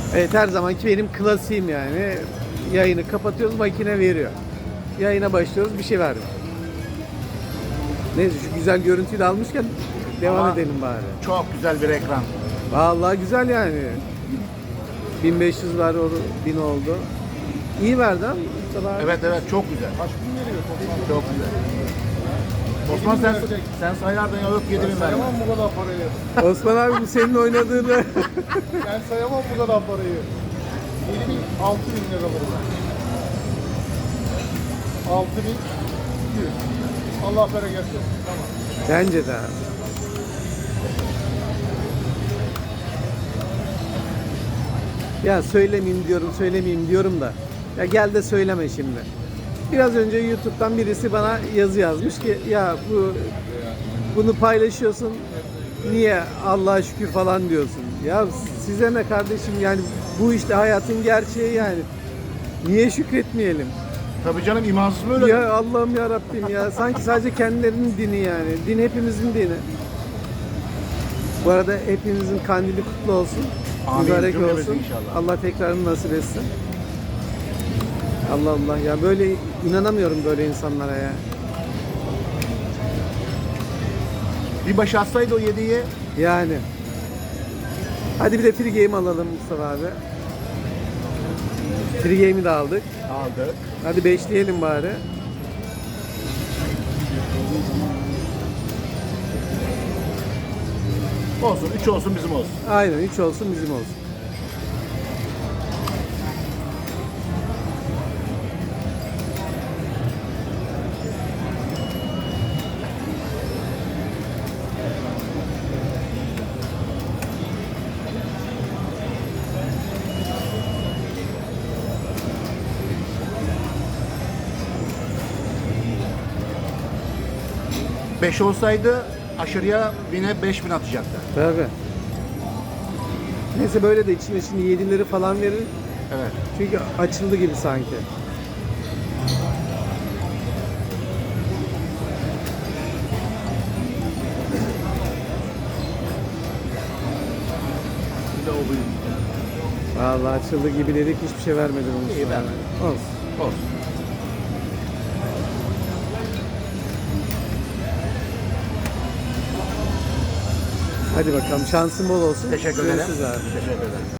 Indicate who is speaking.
Speaker 1: Evet, her zamanki benim klasiğim yani. Yayını kapatıyoruz, makine veriyor. Yayına başlıyoruz, bir şey vermiyor. Neyse, şu güzel görüntüyü de almışken devam
Speaker 2: Ama
Speaker 1: edelim bari.
Speaker 2: Çok güzel bir ekran.
Speaker 1: Vallahi güzel yani. 1500 var, 1000 oldu. İyi verdi ha.
Speaker 2: Evet evet, çok güzel.
Speaker 3: Kaç bin veriyor toplam?
Speaker 2: Çok güzel. Osman sen sayardın ya, yok 7000 verdim.
Speaker 3: Sayamam bu kadar parayı.
Speaker 1: Osman abi, bu senin oynadığını.
Speaker 3: Ben sayamam bu kadar parayı. 7 bin, 6 bin lira var. 6 bin, 100. Allah bereket versin. Tamam.
Speaker 1: Bence de abi. Ya söylemeyeyim diyorum da. Ya gel de söyleme şimdi. Biraz önce YouTube'dan birisi bana yazı yazmış ki ya bunu paylaşıyorsun, niye Allah'a şükür falan diyorsun. Ya size ne kardeşim, yani bu işte hayatın gerçeği yani. Niye şükretmeyelim?
Speaker 2: Tabii canım, imansız mı öyle?
Speaker 1: Ya Allah'ım ya Rabbim ya. Sanki sadece kendilerinin dini yani. Din hepimizin dini. Bu arada hepinizin kandili kutlu olsun.
Speaker 2: Amin.
Speaker 1: Mübarek
Speaker 2: Cümlemiz
Speaker 1: olsun.
Speaker 2: inşallah.
Speaker 1: Allah tekrarını nasip etsin. Allah Allah ya, böyle inanamıyorum böyle insanlara ya.
Speaker 2: Bir baş atsaydı o 7'yi.
Speaker 1: Yani. Hadi bir de free game alalım Mustafa abi. Free game'i de aldık.
Speaker 2: Aldık.
Speaker 1: Hadi beşleyelim bari.
Speaker 2: Olsun, 3 olsun, bizim olsun.
Speaker 1: Aynen, 3 olsun bizim olsun.
Speaker 2: Beş olsaydı aşırıya 1000'e 5000 atacaktı.
Speaker 1: Tabii. Neyse, böyle de içine şimdi 7'leri falan verir.
Speaker 2: Evet.
Speaker 1: Çünkü açıldı gibi sanki.
Speaker 2: Bir de o büyük.
Speaker 1: Vallahi açıldı gibi dedik, hiçbir şey vermedi bunu.
Speaker 2: İyi vermedi.
Speaker 1: Olsun.
Speaker 2: Olsun.
Speaker 1: Hadi bakalım, şansın bol olsun.
Speaker 2: Teşekkür ederim.
Speaker 1: Görüşürüz abi.
Speaker 2: Teşekkür ederim.